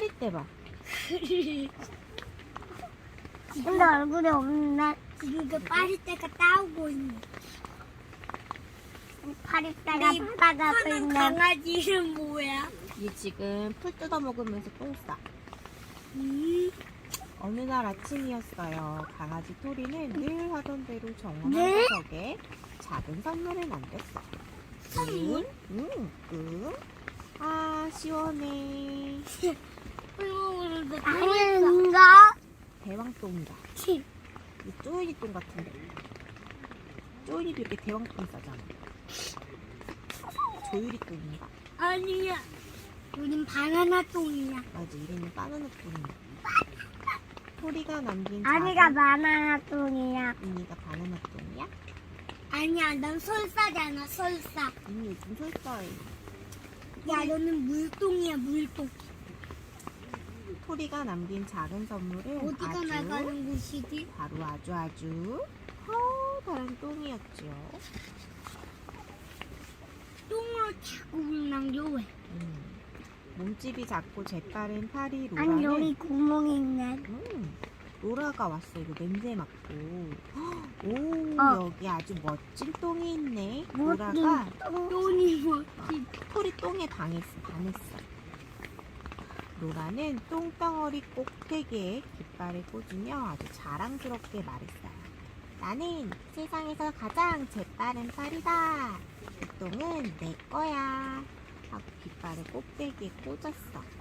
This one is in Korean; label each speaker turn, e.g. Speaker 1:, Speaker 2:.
Speaker 1: 파리떼 봐.
Speaker 2: 근데 얼굴이 없나? 이거 파리떼가 따오고 있네. 파리떼가 따가고 있네. 강아지 이름 뭐야?
Speaker 1: 얘 지금 풀 뜯어 먹으면서 똥 싸. 어느 날 아침이었어요. 강아지 토리는 늘 하던 대로 정원한 구석에 작은 선물을 만들었어.
Speaker 2: 선물?
Speaker 1: 아, 시원해.
Speaker 2: 아닌가?
Speaker 1: 대왕똥이다. 이 쪼이리 똥 같은데. 쪼이리도 이렇게 대왕똥 싸잖아. 조유리 똥인가?
Speaker 2: 아니야. 우린 바나나 똥이야.
Speaker 1: 맞아, 이름이 바나나 똥이야. 토리가 남긴
Speaker 2: 아니가
Speaker 1: 작은
Speaker 2: 바나나 똥이야.
Speaker 1: 이니가 바나나 똥이야?
Speaker 2: 아니야, 넌 설사잖아, 설사.
Speaker 1: 이니 요즘 설사해.
Speaker 2: 야, 너는 물똥이야, 물똥.
Speaker 1: 토리가 남긴 작은 선물은
Speaker 2: 어디가 나가는 곳이지?
Speaker 1: 바로 아주 커다란 똥이었죠.
Speaker 2: 똥을 자국을 남겨 왜?
Speaker 1: 몸집이 작고 재빠른 파리
Speaker 2: 아니, 여기
Speaker 1: 로라는
Speaker 2: 구멍이 있네.
Speaker 1: 로라가 왔어. 이거 냄새 맡고. 오, 여기 아주 멋진 똥이 있네. 로라가
Speaker 2: 똥이 뭐지?
Speaker 1: 토리 똥에 반했어. 로라는 똥덩어리 꼭대기에 깃발을 꽂으며 아주 자랑스럽게 말했어요. 나는 세상에서 가장 재빠른 파리다. 이 똥은 내 거야. 하고 깃발을 꼭대기에 꽂았어.